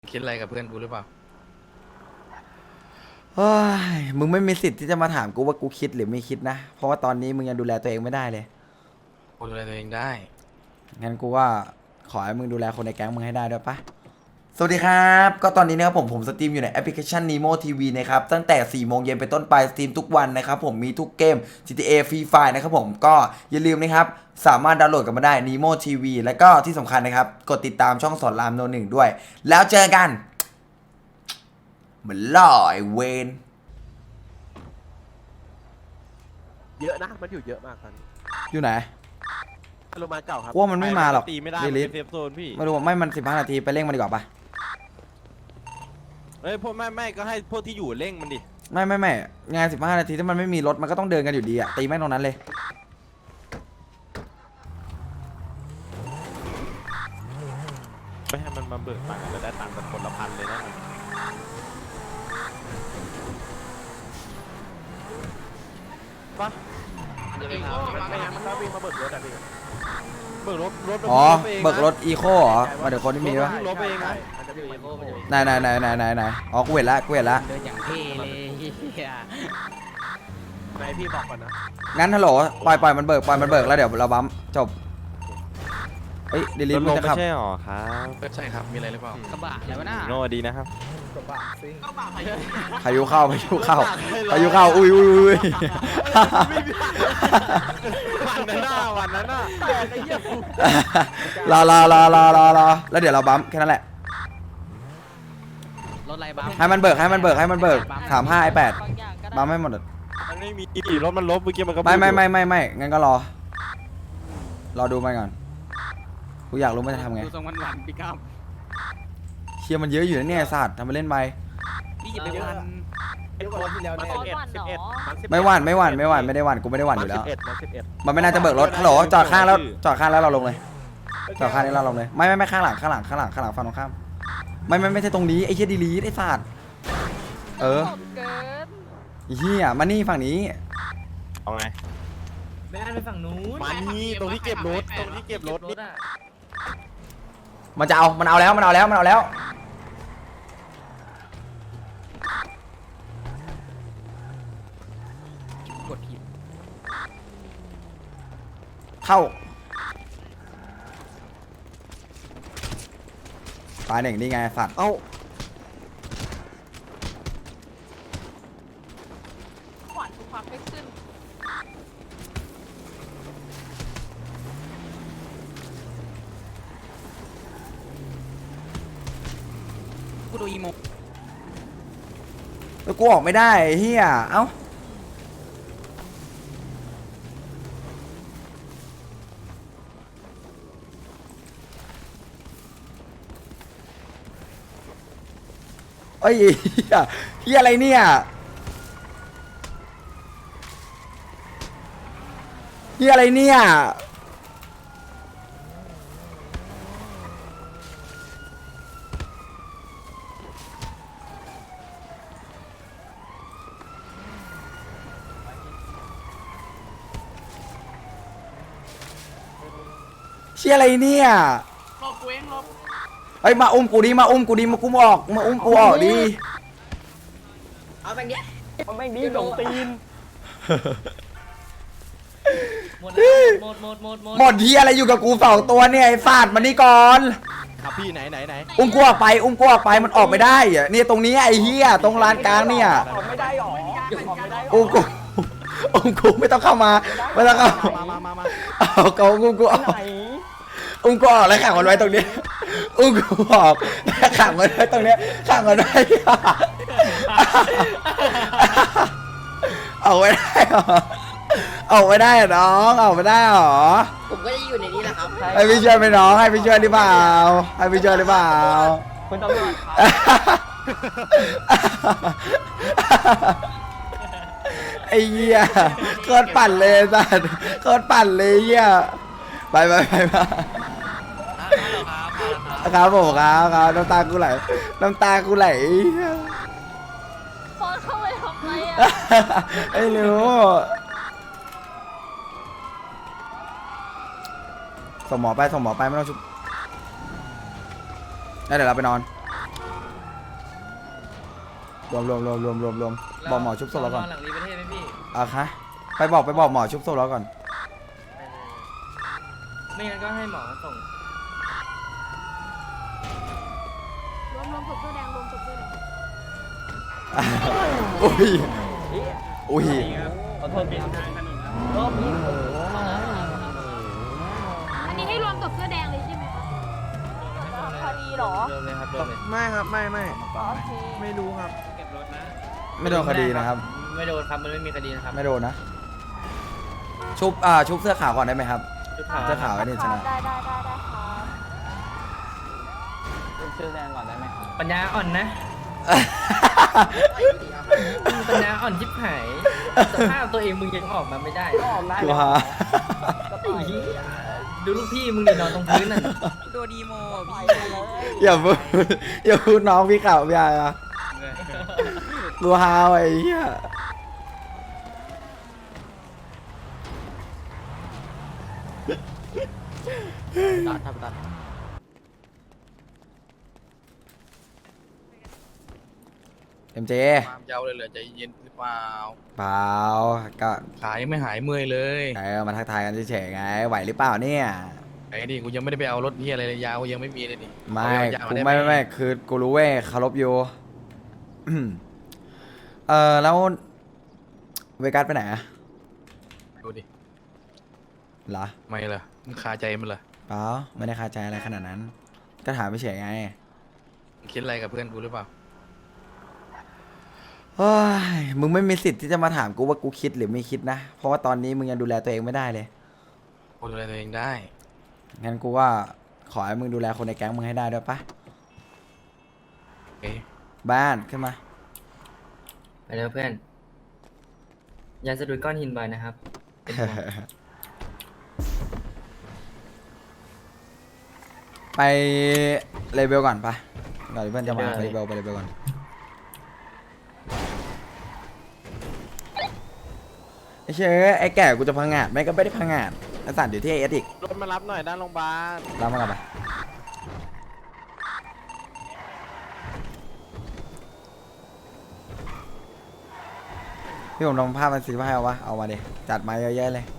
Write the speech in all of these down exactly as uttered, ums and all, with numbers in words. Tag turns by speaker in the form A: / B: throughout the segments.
A: คิดอะไรกับเพื่อนกูหรือเปล่า
B: เฮ้ยมึงไม่มีสิทธิ์ที่จะมาถามกูว่ากูคิดหรือไม่คิดนะ เพราะว่าตอนนี้มึงยังดูแลตัวเองไม่ได้เลย
A: กูดูแลตัวเองได้
B: งั้นกูว่าขอให้มึงดูแลคนในแก๊งมึงให้ได้ด้วยปะสวัสดีครับ ก็ตอนนี้นะครับผมผมสตรีมอยู่ในแอปพลิเคชัน Nemo ที วี นะครับ ตั้งแต่สี่โมงเย็นเป็นต้นไปสตรีมทุกวันนะครับผมมีทุกเกม จี ที เอ Free Fire นะครับผมก็อย่าลืมนะครับสามารถดาวน์โหลดกันมาได้ Nemo ที วี แล้วก็ที่สำคัญนะครับกดติดตามช่องสอนรามโนหนึ่งด้วย แล้วเจอกันเหมือนล่อไอเวน
C: เยอะนะ มันอยู่เยอะมากตอนนี้
B: อยู่ไหน
C: โรงพยาบาลเก่าครับ
B: ว่ามันไม่มาหรอก
D: ตีไม่ได้
B: ลิลิ
D: เซฟโซนพี่
B: ไม่รู้ว่าไม่มันสิบห้านาทีไปเร่งมันดีกว่าปะ
D: เฮ้ยพวกไม่ไม่ก็ให้พวกที่อยู่เร่งมันดิ
B: ไม่ไม่ไม่งานสิบห้านาทีถ้ามันไม่มีรถมันก็ต้องเดินกันอยู่ดีอะตีแม่งตรงนั้นเลย
D: ไม่ให้มันมาเบิกตังค์แล้วได้ตังค์กันคนละพันเลยนะปะ
C: ไม่งั้นมันก็วิ่งมาเบิกรถอะพี่
D: เบิกรถรถ
B: อ๋อ
D: ไปงนะ
B: เบิกรถอีโคเหรอมาเดี๋ยวคนที่มีวะ
D: รถไปเองนะ
C: มันจะวิ่งมาอีโค
B: ไหนไหนไหนไหนไหนไหนอ๋อกูเห็นละกูเห็นละ
A: เดินอย่างเท่เลยเฮีย
C: ไหนพี่บอกก่อนนะ
B: งั้นฮัลโหลปล่อยปล่อยมันเบิกปล่อยมันเบิกแล้วเดี๋ยวเราบัมจบเอ้ยดิลิ
D: ร
B: ท
D: ถ
B: มึ
D: ล
B: ง
D: ง
B: จะ
D: ไม่
B: ขับ
D: ใช่หรอครับ
A: ใช่ครับมีอะไรหรือเปล่าก
E: ระบะอะไรวะน่า
D: โน่ดีนะครับ
C: กระบะซิ่ง
B: พายุเข้าพายุเข้าพายุเข้าอุ้ยอุ้ยอุ้ย
D: วันนั้นน่ะวันนั้นน่ะ
C: แต่ไอ้เหี้ยกู
B: รอรอรอรอรอรอแล้วเดี๋ยวเราบัมแค่นั้นแหละ
E: รถอะไรบ้าง
B: ให้มันเบิกให้มันเบิกให้มันเบิกสามห้าไอแปดบัมให้หมด
D: มันไม่มีรถมันลบเมื่อกี้มันก็
B: ไม่ไม่ไม่ไม่ไม่งั้นก็รอ รอดูมันก่อนกูอยากรู้มันจะทำไง
E: ดูทรงวันวันๆพี่ก้าม
B: เชียร์มันเยอะอยู่นะเนี่ยศาสตร์ทำไปเล่นไป
E: พี่อย่าไปวัน
C: ไอ้คนที่แล้วเนี่ยสิบเอ็ดสิบเอ็ดนสิบเอ็ด
B: ไม่หวั่นไม่หวั่นไม่หวั่นไม่ได้หวั่นกูไม่ได้หวั่นอยู่
C: มัน
B: แล้
C: สิ
B: ว
C: บเอ็ดมันสิบเอ็ด
B: มันไม่น่าจะเบิกรถฮัลโหลจอดข้างแล้วจอดข้างแล้วเราลงเลยจอดข้างนี้เราลงเลยไม่ไม่ไม่ข้างหลังข้างหลังข้างหลังข้างหลังฝั่งตรงข้ามไม่ไม่ไม่ใช่ตรงนี้ไอ้เหี้ยดีลีทไอ้ศาสตร์เออ
F: เกิน
B: ไอ้เหี้ยมานี่ฝั่งนี้
D: เอาไง
E: ไม่ได้ไปฝั่งนู้น
D: มานี่ตรงที่เก็บรถตรงที่เก็บรถนี่
B: มันจะเอามันเอาแล้วมันเอาแล้วมันเอาแล้ว
E: กดผิด
B: เข้าตายหนึ่งนี่ไงสัตว์
D: เอ้า
F: ขวัญทุกความไม่ขึ้น
E: กูดูอีโม
B: แล้วกูออกไม่ได้ไอ้เหี้ยเอ้าเอ้ยเหี้ยเหี้ยอะไรเนี่ยเหี้ยอะไรเนี่ยเชี่ยอะไรเนี่ยเฮ้ยมาอุ้มกูดิมาอุ้มกูดิมากูมออกมาอุ้มกูออกดิ
E: เอาแบบเนี้ย
C: มันไม่มีหลงตีน
E: หมดแล้วหมดหมดหมดหมด
B: หมดที่อะไรอยู่กับกูสองตัวเนี่ยไอ้ฟาดมันนี่ก่อน
D: ครับพี่ไหนไหนไหน
B: อุ้มกูออกไปอุ้มกูออกไปมันออกไม่ได้อะเนี่ยตรงนี้ไอ้เหี้ยตรงลานกลางเนี่ย
C: ออกไม่ได้หรอออกไม่ได้หรอ
B: อุ้มกูอุ้มกูไม่ต้องเข้ามาไม่ต้องเข้า
D: มามามามา
B: เอาเขาอุ้มกูออกอุ้มกูออกแล้วขังมันไว้ตรงนี้อุ้มกูออกแล้วขังมันไว้ตรงเนี้ยขังมันไว้เอาไม่ได้หรอเอาไม่ได้เหรอน้องเอาไม่ได้หรอ
E: ผมก็จะอยู่ในนี้แหละครับ
B: ให้พี่ช่วยไหมน้องให้พี่ช่วยหรือเปล่าให้พี่ช่วยหรือเปล่า
C: คุณตำรวจ
B: ไอ้เหี้ยโคตรปั่นเลยสัสโคตรปั่นเลยเหี้ยไปไปไปไปครับผมครับครับน้ำตากูไหลน้ำตากูไหล
F: พอเข้าไปทำไรอ่ะ
B: ไอ้หนูส่งหมอไปส่งหมอไปไม่ต้องชุบแล้วเดี๋ยวเราไปนอนรวมรวมรวมรวมรวมรวมบอกหมอชุบศพเราก่อน
E: หลังรีประเทศไหมพี่
B: อ่ะคะไปบอกไปบอกหมอชุบศพเราก่อน
E: ไม่งั้นก็ให้หมอส่ง
F: รวมรวมศพเสื้อแดงรวมศพเสื้อแดง
B: อุ้ยอุ้ย
C: ขอโทษพี่
F: อันนี้ให้รวมศพเสื้อแดงเลยใช่ไหมคะคดีเหรอ
E: เริ่มเลยครับเริ่มเลย
D: ไม่ครับไม่ไม่
F: อ๋อโอเค
D: ไม่รู้ครับ
B: ไม่โดนคดีนะครับ
E: ไม่โดนครับมันไม่มีคดีนะครับ
B: ไม่โดนนะ ชุบอ่าชุบเสื้อขาวก่อนได้ไหมครับ
E: ชุดขาว
B: เสื้อขาวไอ้นี่ชนะ
F: ได้ได้ได้ได้ค่ะ
C: เป็นชื่อแดงก่อนได้ไหมครับ
E: ปัญญาอ่อนนะปัญญาอ่อนชิบหายสภาพตัวเองมึงยังออกมาไม่ได้
C: ก็ออกได้
B: กู
C: เลย
B: ฮะ
C: ก็
E: ไอ้
C: ต่อย
E: เหี้ยดูลูกพี่มึงดินอนตรงพื้นน่ะ
A: โดดีโม
C: ต่อยไปเลย
B: อย่าพูดอย่าพูดน้องพี่ข่าวพี่อะไรอ่ะกูฮาวไอ้เหี้ย
A: ตัดทับตัด
B: เอ็มเจ
A: ความยาวเลยเหรอใจเย็นหรือเปล่า
B: เปล่าก็
A: ขายังไม่หายเมื่อยเลย
B: เออมาทักทายกันเฉยๆไงไหวหรือเปล่าเนี่ย
A: ไอ้นี่กูยังไม่ได้ไปเอารถที่อะไรเลยยาวกูยังไม่มีเลยนี่
B: ไม่
A: เอายาวๆ
B: กู
A: ด้
B: ไม่ไม่ไม่คือกูรู้เว้ยเคารพอยู่ เออแล้วเวกัสไปไหนอะ
A: ดูดิ
B: เหรอ
A: ไม่เหรอมึงคาใจมันเหรอ
B: เปล่าไม่ได้คาใจอะไรขนาดนั้น ก็ถามไปเฉยไง
A: มึงคิดอะไรกับเพื่อนกูหรือเปล่า
B: เฮ้ยมึงไม่มีสิทธิ์ที่จะมาถามกูว่ากูคิดหรือไม่คิดนะ เพราะว่าตอนนี้มึงยังดูแลตัวเองไม่ได้เลย
A: กูดูแลตัวเองได้
B: งั้นกูว่าขอให้มึงดูแลคนในแก๊งมึงให้ได้ด้วยปะ
A: เอ๊ะ
B: บ้านขึ้นมา
E: ไปแล้วเพื่อนยาสะดุดก้อนหินบ่อยนะครับเป็นห่วง
B: ไปเลเวลก่อนปะก่อนที่เพื่อนจะมาไปเลเวลไปเลเวลก่อนไอ้เชื่อไอ้แก่กูจะพังงาดไม่ก็ไม่ได้พังงาดไอ้สัตว์อยู่ที่ไอเอสอีก
D: รถมารับหน่อยด้านโรงพยาบาล
B: รับมากันไปพี่ผมลองภาพมันสีผ้าเอาวะเอามาดิจัดมาเยอะๆเลย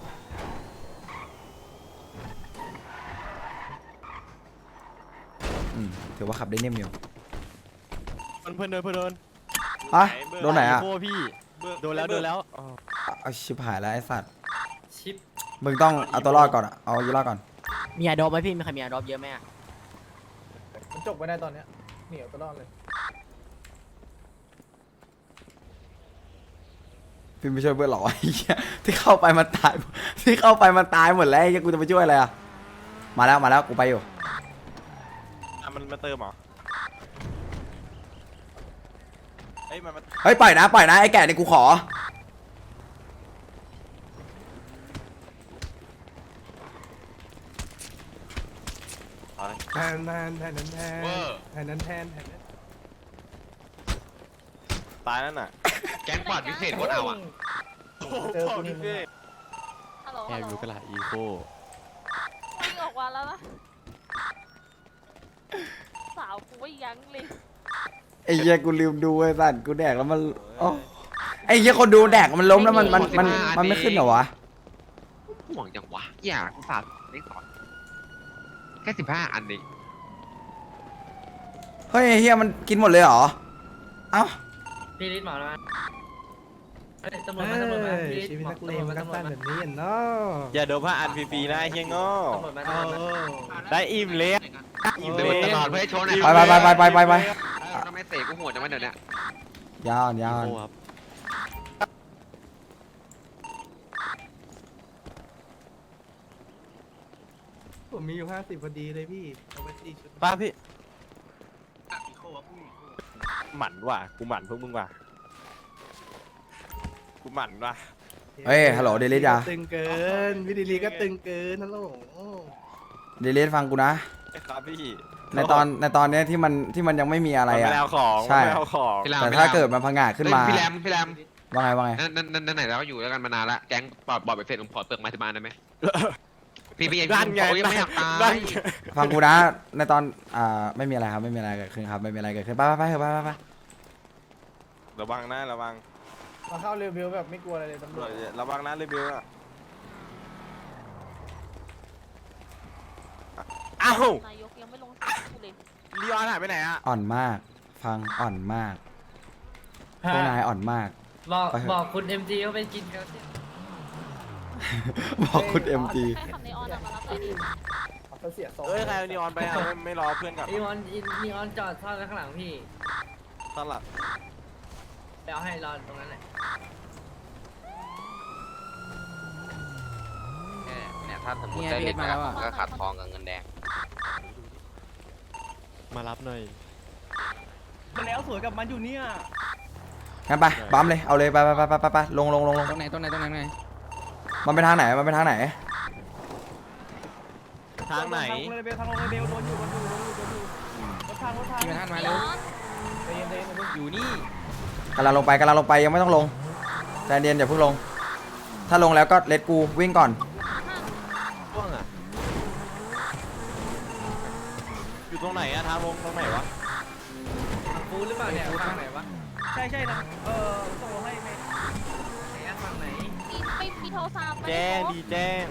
B: อืมถือว่าขับได้นิ่มอยู่
D: เพื่อนเดินเพื่อนเดิน
B: ฮะโดนไหนอ่ะ
D: โอ้พี่โดนแล้วโดนแล้ว
B: เอาชิบหายแล้วไอ้สัตว์
E: ชิป
B: มึงต้องเอาตัวรอดก่อนอะเอาตัวรอดก่อน
E: มีอาดอปไหมพี่มีใครมีอาดอปเยอะไหมอ่ะ
C: มันจบไปได้ตอนเนี้ยเหนียวตลอดเลย
B: พี่ไม่ช่วยเพื่อนหรอไอ้เหี้ยที่เข้าไปมันตายที่เข้าไปมันตายหมดแล้วไอ้เหี้ยกูจะไปช่วยอะไรอ่ะมาแล้วมาแล้วกูไปอยู่
D: อ่ะมันมาเติมเหรอเฮ้ยมันมา
B: เฮ้ยปล่อยนะปล่อยนะไอ้แก่นี่กูขอ
C: แทนแทนแทนแทนแทนแทนแทนแทน
D: ตายนั่นน่ะ
A: แก๊งปัดพิเศษโคตรเอาอ่ะ
C: เจอกูนี่มึง
F: ฮัลโหล
D: แอ
F: ฮัล
D: บ
F: โหล
D: ยูกระลาอีโค
F: วิ่งออกมาแล้วนะสาวกูไม่ยั้งเลย
B: ไอ้เหี้ยกูลืมดูไอ้สัตว์กูแดกแล้วมันโอ้ไอ้เหี้ยคนดูแดกมันล้มแล้วมันมันมันมันไม่ขึ้นเหรอวะ
G: ห่วงจังวะอย่ากูฝากเลขสอนแค่สิบห้าอันนี้
B: เฮ้ยไอ้เหี้ยมันกินหมดเลยเหรอเอ้า
E: พี่ลิศหมอมาเฮ้ยตำรวจมาตำรวจมาพี่ลิศ
C: ชีวิต
E: หมอ
C: นักเล
E: ตำรว
C: ง
E: จ
C: มั
E: มาน
C: ก็
E: ตำรว
C: สั้
E: จ
C: น
E: มา
C: แบบนี้อ่ะเนาะ
D: อย่าโดนผ้าอันฟรีๆนะไอ้เฮียโง่
E: ตำรวจมา
C: เอ
E: ตำรวจมา
C: อ
D: ได้อิ่มเละ
G: อิ่มเลยตลอดเพื่อให้โชว์หน่อย
B: ไปไปไปไปไปไป
G: ทำไมเตะกูโหดจังวะเดี๋ยวเนี้ย
B: ยาวยาว
D: โอ้ครับ
C: ผมมีอยู่ห้าสิบพอดีเลยพี่เอาไปสี่ชุด
D: ป้าพี่หมั่นว่ะกูหมั่นพวกมึงว่ะกูหมั่นว่ะ
B: เฮ้ยฮัลโหลเดลิสยา
C: ตึงเกินวิดีลีก็ตึงเกินฮัลโหล
B: เดลิสฟังกูนะ
D: ครับพี่
B: ในตอนในตอนเนี้ยที่มันที่มันยังไม่มีอะไร
D: มัน
B: อ่ะ
D: ไม่เอาของ
B: ใช่
D: มันไม่เอาของ
G: พี่แรม
B: แต่
G: พี่
B: ถ้า
G: แรม
B: เกิดมันพังงาดขึ้นมา
G: เฮ้ยพี่แรมพี่แรม
B: ว่าไงว่าไง
G: นั่นนั่นนั่นนั่นไหนแล้วอยู่ด้วยกันมานานละแก๊งปอดบอดไปเฟรผมขอเปลือกไม้ที่บ้านได้ไหมพี่พี่
D: ด้านไง
G: เขายังไม่อยากตา
D: ด้าน
G: ย
D: ไง
B: ฟังกูนะในตอนอ่าไม่มีอะไรครับไม่มีอะไรเกิดขึ้นครับไม่มีอะไรเกิดขึ้นไปไปไปเถอะไปไปไป
D: ระวังนะระวัง
C: มาเข้าเรเบลแบบไม่กลัวอะไรเลยตำรวจ
D: ระวังนะเรเบลอะอ้าวน
F: ายกยังไม่ลงสเลย
D: ลีออนหายไปไหนอะ
B: อ่อนมาก ฟังอ่อนมากพวกนายอ่อนมาก
E: บอก
B: ไปเถอะ
E: บอกคุณเอ็มจีเขาไปกินกันสิ
B: บอกคุณเอ็มจี
F: ให้ขับในออนอะมารับเลยดิ
C: เขาเสียทรง
D: เอ้ยใครเอาลีออนไปอะไม่ไม่รอเพื่อนกลับ
E: อีออนอีออนจอดซ่อนไว้ข้างหลังพี่
D: ตอนหลับ
E: ไปเอาให้รอตรงนั้นแหละ
G: เนี่ยถ้าสมมติได้เล่นมาก็ขาดทองกับเงินแดง
D: มารับหน่อย
C: มาแล้วสวยกับมันอยู่เนี่ย
B: งั้นไปบัมเลยเอาเลยไปไปไปไปไปลงลงลงลง
A: ตรงไหนตรงไหนตรงไหนตรงไหน
B: มันไปทางไหนมันไปทางไหน
D: ทางไหน
C: ทางลงเรเบลทางลงเรเบลโดนอยู่โดนอยู่โดนอยู่โดนอยู่รถทางรถทาง
A: พี่มาท่านมาเร็ว
C: ใจเย็นใจเย็นใจเย็น
A: อยู่นี่
B: กำลังลงไปกำลังลงไปยังไม่ต้องลงใจเย็นอย่าเพิ่งลง ถ้าลงแล้วก็เลทกูวิ่งก่อน
D: ช่วงอะอยู่ตรงไหนอะทางลงตรงไหนวะ
E: ฟูหรือเปล่าเนี่ยฝั่งไหนวะ
C: ใช่ใช่นะเออส่งลงให้ไม่
E: ไหนอะฝั่งไหน
F: มีไม่มีโทรศัพท์
D: แจ้งดีแจ้ง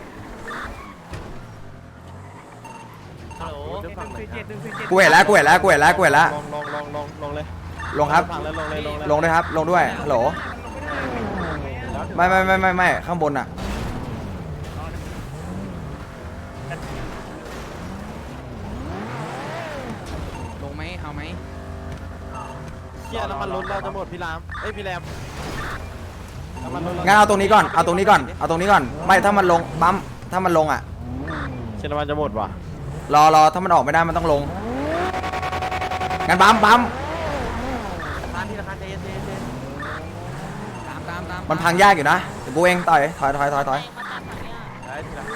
E: ฮัลโหล
C: หนึ่งสี่เจ็ดหนึ่งสี่เจ็ด
B: กูเห็นแล้วกูเห็นแล้วกูเห็นแล้วกูเห็นแล้ว
D: ลงลงลงลงลงเลย
B: ลงครับ
D: ฟังแล้วลงเลยลงเลย
B: ลงด้วยครับ ลงด้วยฮัลโหลไม่ไม่ไม่ไม่ไม่ข้างบนอะ
A: ลงไหมเอาไหม
D: เที่ยน้ำมันรถเราจะหมดพี่รามเอ้ยพี่แรมน้ำมันรถเรา
B: งั้นเอาตรงนี้ก่อนเอาตรงนี้ก่อนเอาตรงนี้ก่อนไม่ถ้ามันลงปั๊มถ้ามันลงอะ
D: เชนน้ำมันจะหมดว่ะ
B: รอรอถ้ามันออกไม่ได้มันต้องลงงั้นปั๊มปั๊ม
D: ทานที่ราคาเจเจเจ
A: ตามตามตาม
B: มันพังยากอยู่นะเดี๋ยวกูเองต่อยถอยถอยถอยถอย
F: มาตามฝั่งเนี้ย
D: ได้ทีละ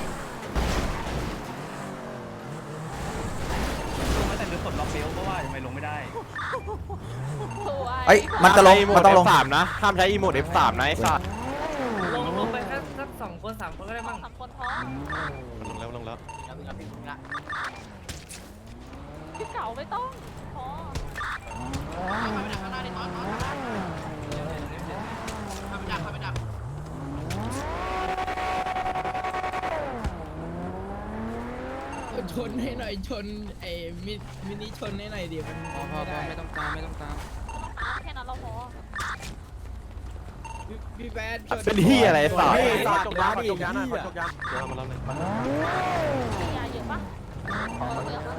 C: ลงมาแต่เรือปลดล็อกเบลเพราะว่าทำไมลงไม่ได้
F: สวย
B: เอ้ยมันจะลงมันต้องลง
D: สามนะห้ามใช้อีโมด เอฟ สาม นะไอ้สัส
E: ลงลงไปแค่สักสองคนสามคนก็ได้มั้ง
F: สามคนพอ
D: ลงแล้วลงแล้ว
F: พี่เก่าไม่ต้องพอ
H: ชนให้หน่อยชนไอ้มิมินิชนให้หน่อยดิมัน
A: พอพอพอไม่ต้องตามไม่ต้องตาม
F: น้ำแค่นั้นเราพอ
H: พี่พี่แบดชน
D: เป็นที่อะไรสัส
C: เฮ้ย
D: จกยาดิจกยาหน่อยจกยาเดี๋ยวมาแล้วเลย
F: มียาเยอะปะพอเยอะปะ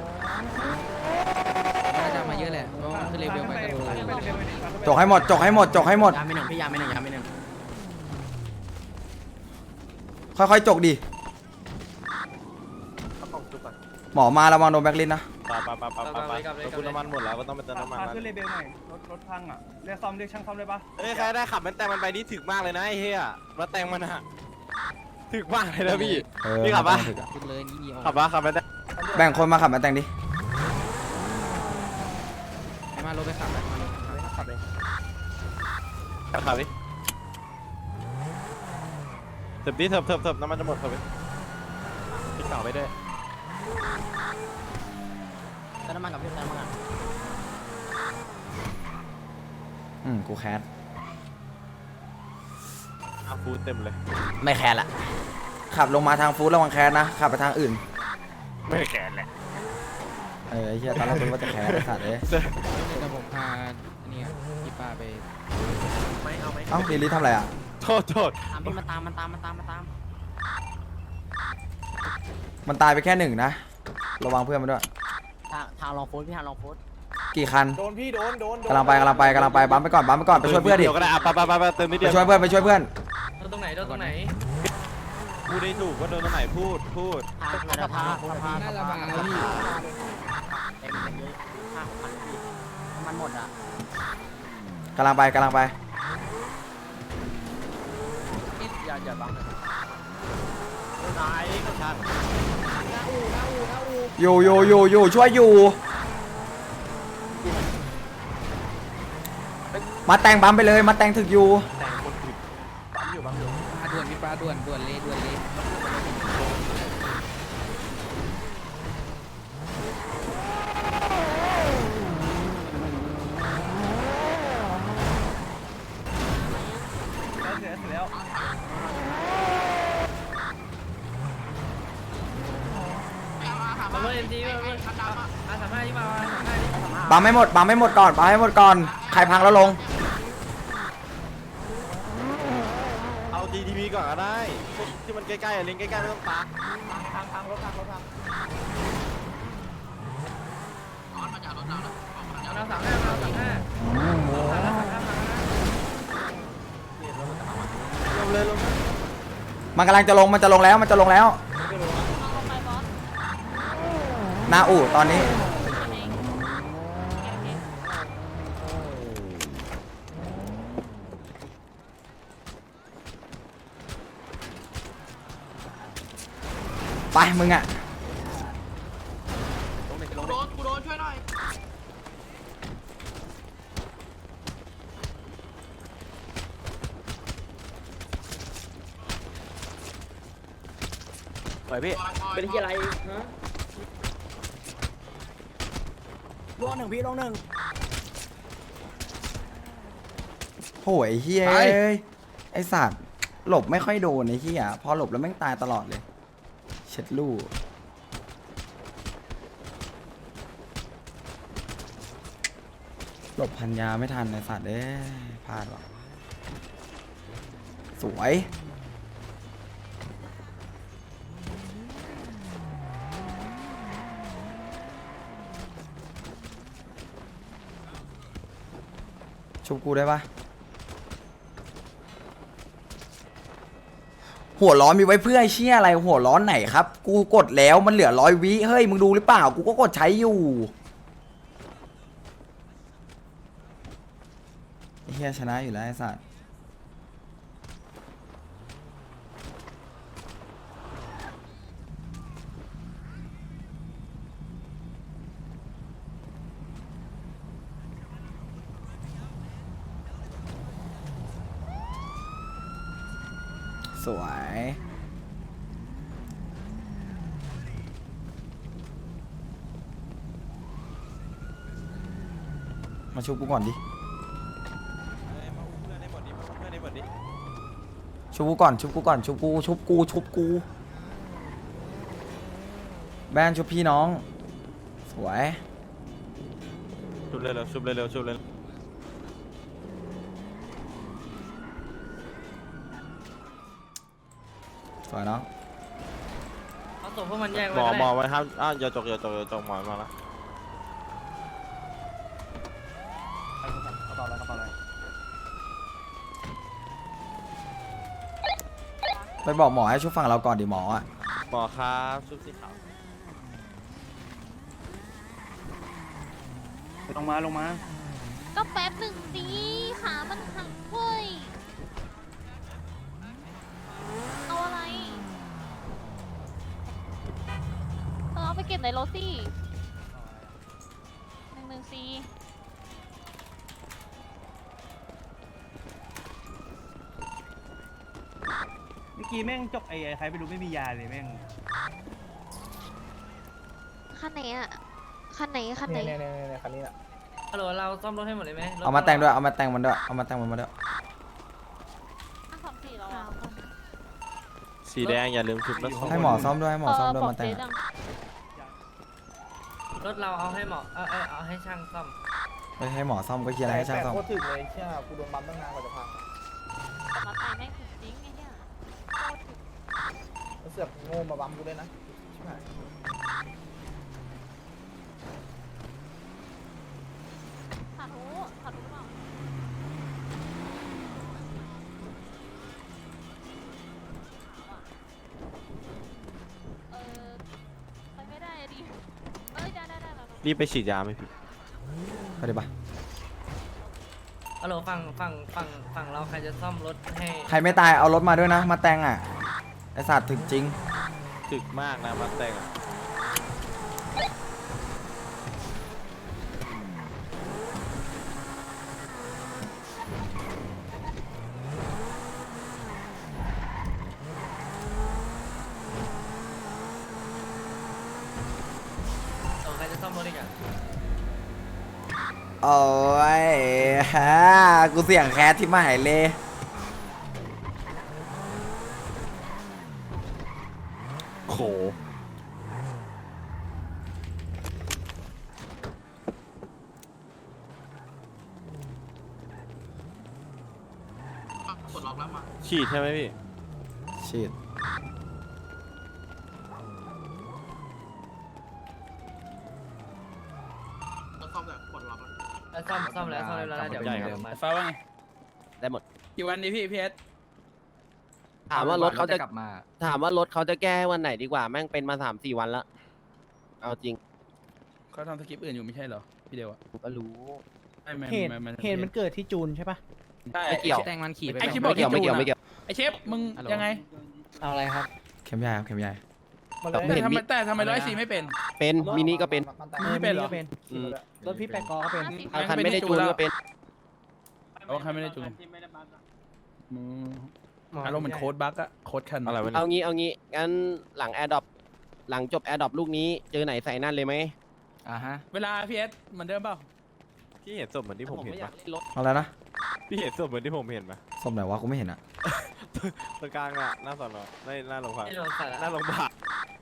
A: น่าจะมาเยอะแหละเพราะว่ามันขึ้นเลเวลไปกันเลย
B: จกให้หมดจกให้หมดจกให้หมด
A: ยาไม่หนึ่งพี่ยาไม่หนึ่งยาไม่หนึ่ง
B: ค่อยๆจกดิหมอมาระวังโดนแบ็คลินนะ
D: ไปไปไปไปไปไปคุณน้ำมันหมดแล้วก็ต้องไปเติมน้ำมัน
C: พา
D: แล้ว
C: ขึ้นเรเบลหน่อยรถรถพังอ่ะเรียกซ่อมเรียกช่างซ่อมได้ปะ
D: เอ้ยใครได้ขับมันแต่มันไปนี่ถึกมากเลยนะไอ้เหี้ยรถแต่งมันอะถึกมากเลยนะพี่
B: เออ
D: พี่ขับปะ
A: ขึ้นเลยนี่ออก
D: ขับปะขับไม่ได้
B: แบ่งคนมาขับมาแต่งดิ
A: ให้มารถไปขับไปมารถไปขับ
D: ขับเลยขับดิเถิบดิเถิบเถิบเถิบน้ำมันจะหมดเถิบดิพี่เก่าไปด้วย
A: เติมน้ำมันกับพี่เติมน้ำมัน
B: อืมกูแคส
D: อาฟูเต็มเลย
B: ไม่แคสละขับลงมาทางฟู้ดระวังแคสนะขับไปทางอื่น
D: ไม่แก่แหละ
B: เออไอ้เหี้ยตอนแรกกูว่าจะแคสไอ้สัตว์เอ้ย
A: เดี๋ยวผมพาเนี่ยพี่ป้าไป
D: ไม่เอาไหม
B: เอ้าลิลลี่ทำอะไรอ่ะ
D: โทษโทษ
A: ตามพี่มาตามมันตามมันตามมันตาม
B: มันตายไปแค่หนึ่งนะระวังเพื่อนมันด้วย
A: ทางทางลองโฟสพี่ทางลองโฟส
B: กี่คัน
C: โดนพี่โดนโดน
B: กำลังไปกำลังไปกำลังไปบัมไปก่อนบัมไปก่อนไปช่วยเพื่อนดิ
D: เดี๋ยวก็ได้อ่ะไปไปไปไปเติมนิด
B: ไป
D: เดียว
B: ช่วยเพื่อนไปช่วยเพื่อน
E: โดนตรงไหนโดนตรงไหน
D: พูดได้ถูกว่าโดนตรงไหนพูดพูด
A: ทางสะพานสะพาน
H: หน้าระบายพี่
A: เต็มเยอะห้าหกพันพี่มันหมดอ่ะ
B: กำลังไปกำลังไป
A: อย่าอย่าบัง
D: นายก็ช่าง
B: อยู่อยู่อยู่อยู่ช่วยอยู่มาแต่งบัมไปเลยมาแต่งถึกอยู่
D: แต่งคนผิดปั๊มอยู่ปั๊มอยู่
A: ปลาด่วนพี่ปลาด่วนด่วนเลยด่วนเลย
E: ทีมาอาสามห้าที่มาอาสามห้าที่
B: บังไม่หมดบังไม่หมดก่อนบังให้หมดก่อนใครพังแล้วลง
D: เอา จี ที พี ก่อนก็ได้พวกที่มันใกล้ๆอะลิงใกล้ๆไม่ต้องตาม
A: พังพังรถพังรถพัง
E: เราสามห้าเราสามห้าเราสามห้า
D: ลงเลยลง
B: มันกำลังจะลงมันจะลงแล้วมันจะลงแล้ว
F: ลงไปบอส
B: หน้าอู่ตอนนี้
F: ทำเองโอเค
B: ไปมึงอ่ะ
A: โดนกูโดนช่วยหน่อย
D: ไปพี่
A: เป็นที่อะไรฮะลงหนึ่งพี่ลงหนึ่ง
B: โหยเฮียเอ้ยไอสัตว์หลบไม่ค่อยโดนไอ้เฮียพอหลบแล้วแม่งตายตลอดเลยเช็ดลู่หลบพันยาไม่ทันไอสัตว์เอ้ยพลาดว่ะสวยชุบกูได้ปะหัวร้อนมีไว้เพื่อไอ้เชี่ยอะไรหัวร้อนไหนครับ กูกดแล้วมันเหลือร้อยวิเฮ้ยมึงดูหรือเปล่ากูก็กดใช้อยู่ไอ้เฮียชนะอยู่แล้วไอ้สัสสวยมาชุบกูก่อนดิชุบกูก่อนชุบกูก่อนชุบกูชุบกูชุบกูแบนชุบพี่น้องสวย
D: ชุบเร็วๆชุบเร็วๆชุบเร็ว
B: สวยน้อง
E: เอาส่งพวกมันแยก
D: ห
E: ไว้
D: มอ
E: ก็
D: หมอ
E: ได้
D: ไว้ครับอ้าวอย่าจกอย่าจกอย่าจกหมอมาละ
A: กระเป๋าอะไรกระเป๋าอะไร
B: ไปบอกหมอให้ชุบฝั่งเราก่อนดิหมออ่ะ
D: หมอครับชุบสีขาว
A: ลงมาลงมา
F: ก็แป๊บหนึ่งดีขามันหักเว้ยเอาอะไรเออเอาไปเก็บในรถสิหนึ่งหนึ่งสี่
A: เมื่อกี้แม่งจกไอ้ใครไม่รู้ไม่มียาเลยแม่ง
F: คันไหนอะคันไหนคันไหน
E: ฮัลโหลเราซ่อมรถให้หมดเลยไหมรถ
B: เอามาแต่งด้วยเอามาแต่งมันด้วยเอามาแต่งมันมาด้วย
F: อ่ะสองสี่แล้วอะ
D: สีแดงอย่าลืมชุบนะ
B: ให้หมอซ่อมด้วยให้หมอซ่อมด้วยมาแต่ง
F: เออบอกเจ๊ดัง
E: รถเราเอาให้หมอเอาเอาเอาให้ช่างซ่อม
B: ไม่ให้หมอซ่อมก็เคลียร์อะไรให้ช่างซ่อม
F: แต่มาตายแม่งถึงจริงไอ้เนี่ยขาดหูขาดหูเปล่าเออไปไม่ได้อะดิเอ้ยได้ได้ได้แล้ว
D: รีบไปฉีดยาไหมพี่
B: ไปดิปะ
E: ฮัลโหลฝั่งฝั่งฝั่งฝั่งเราใครจะซ่อมรถให้
B: ใครไม่ตายเอารถมาด้วยนะ มาแต่งอ่ะไอสัตว์ถึงจริง
D: ถึกมากนะมาแต่งอะ
E: โอ้ใครจะซ่อมรถอีกอ่ะ
B: โอ้ยฮะกูเสียงแคสที่มาหายเลย
D: โห
C: ล็อกแล้วมา
D: ฉีดใช่ไหมพี่
B: ฉีด
C: แล้วซ่อมแบบปลดล็อกแล้ว
E: ซ่อมซ่อมแล้วซ่อมแล้วเดี๋ยว
D: ใหญ่ครับ
E: เดิมมา
H: ฟ้าว่าไง
D: ได้หมด
H: กี่วันดีพี่พีเอส
I: ถามว่ารถเขาจะ
E: กลับมา
I: ถามว่ารถเขาจะแก้ให้วันไหนดีกว่าแม่งเป็นมาสามสี่วันแล้วเอาจริง
H: เขาทำสคริปต์อื่นอยู่ไม่ใช่เหรอพี่เดียวอะ
I: ก็รู้
H: ไม่ไม่
A: เหตุ
H: ไม่ไม่
A: เหตุมันเกิดที่จูนใช่ปะ
H: ใช่
I: ไม่เกี่ยว
A: แตงมันขี่ไป
H: ไอคิดบ
I: ไม่
H: อก
I: เกี่ยวไม่เกี่ยวไม่เกี่ยว
H: ไอเชฟมึงยังไง
A: เอาอะไรครับ
B: เข็มใหญ่ครับเข็มใหญ่
A: มาเล
I: ไม่
A: ย
I: เห็น
H: ทำไม
I: มี
H: แต่ทำไมร้อยสี่ไม่เป็น
I: เป็นมินิก็เป็น
H: ไม่เป็นเหรอ
A: เป็น
I: อืม
A: รถพี่แปดกอก็เป็น
I: เอาคันไม่ได้จูนก็เป็น
H: เอาใครไม่ได้จูงอืมอารมณ์เหมือนโค้ดบั๊กอะโค้ดคัน
D: อะไรวะ
I: เอางี้เอางี้งั้นหลังแอร์ดรอปหลังจบแอร์ดรอปลูกนี้เจอไหนใส่นั่นเลยไหม
A: อ่าฮะ
H: เวลาพีเอสเหมือนเดิมเปล่า
D: พี่เห็นศพเหมือนที่ผมเห็น
I: ไม่อยา
D: ปะ
I: กรถ
B: เอาอะไรนะ
D: พี่เห็นศพเหมือนที่ผมเห็นปะ
B: ส้มไหนวะกูไม่เห็นอะ
D: ตรงกลางอะหน้าสอนอหน้าหน้าโรงพยาบาล
E: ไม่โดนใส่ละ
D: หน้าโรงพยาบาล